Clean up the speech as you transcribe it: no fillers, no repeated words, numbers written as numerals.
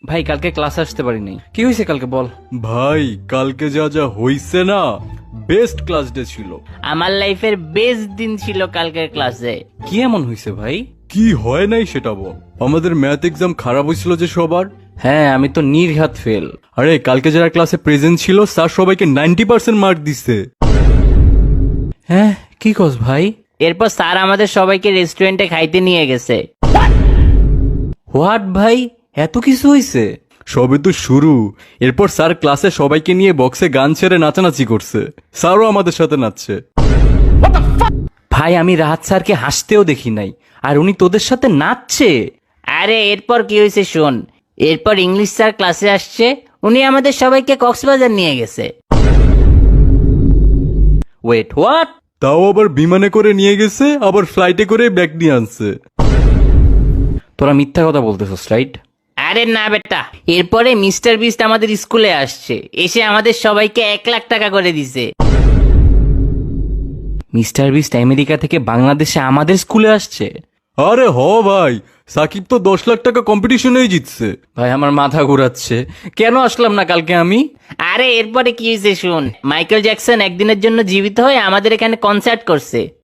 ভাই কালকে ক্লাসে আসতে পারি নাই। কি হয়েছে কালকে বল। ভাই কালকে যা যা হইছে না, বেস্ট ক্লাস ডে ছিল। আমার লাইফের বেস্ট দিন ছিল কালকের ক্লাসে। কি এমন হয়েছে ভাই? কি হয় নাই সেটা বল। আমাদের ম্যাথ এক্সাম খারাপ হয়েছিল যে সবার। হ্যাঁ আমি তো নির্ঘাত ফেল। আরে কালকে যারা ক্লাসে প্রেজেন্ট ছিল স্যার সবাইকে 90% মার্ক দিছে। হ্যাঁ কি কস ভাই? এরপর স্যার আমাদের সবাইকে রেস্টুরেন্টে খাইতে নিয়ে গেছে। হোয়াট ভাই, এত কিছু হয়েছে? সবে তো শুরু। এরপর স্যার ক্লাসে সবাইকে নিয়ে বক্সে গান ছেড়ে নাচানাচি করছে। স্যারও আমাদের সাথে নাচছে। ভাই আমি রাহাত স্যারকে হাসতেও দেখি নাই, আর উনি তোদের সাথে নাচছে? আরে এরপর কি হয়েছে শোন। এরপর ইংলিশ স্যার ক্লাসে আসছে, উনি আমাদের সবাইকে কক্সবাজার নিয়ে গেছে। Wait what? তাও আবার বিমানে করে নিয়ে গেছে, আবার ফ্লাইটে করে ব্যাগ নিয়ে আনছে। তোরা মিথ্যা কথা বলতেছস রাইট? আরে না বেটা, এরপরে মিস্টার বিস্ট আমাদের স্কুলে আসছে, এসে আমাদের সবাইকে 1 লাখ টাকা করে দিছে। মিস্টার বিস্ট আমেরিকা থেকে বাংলাদেশে আমাদের স্কুলে আসছে? আরে হ ভাই, সাকিব তো 10 লাখ টাকা কম্পিটিশনেই জিতছে। ভাই আমার মাথা ঘুরাচ্ছে, কেন আসলাম না কালকে আমি? আরে এরপরে কি হয়েছে শোন। মাইকেল জ্যাকসন একদিনের জন্য জীবিত হয়ে আমাদের এখানে কনসার্ট করছে।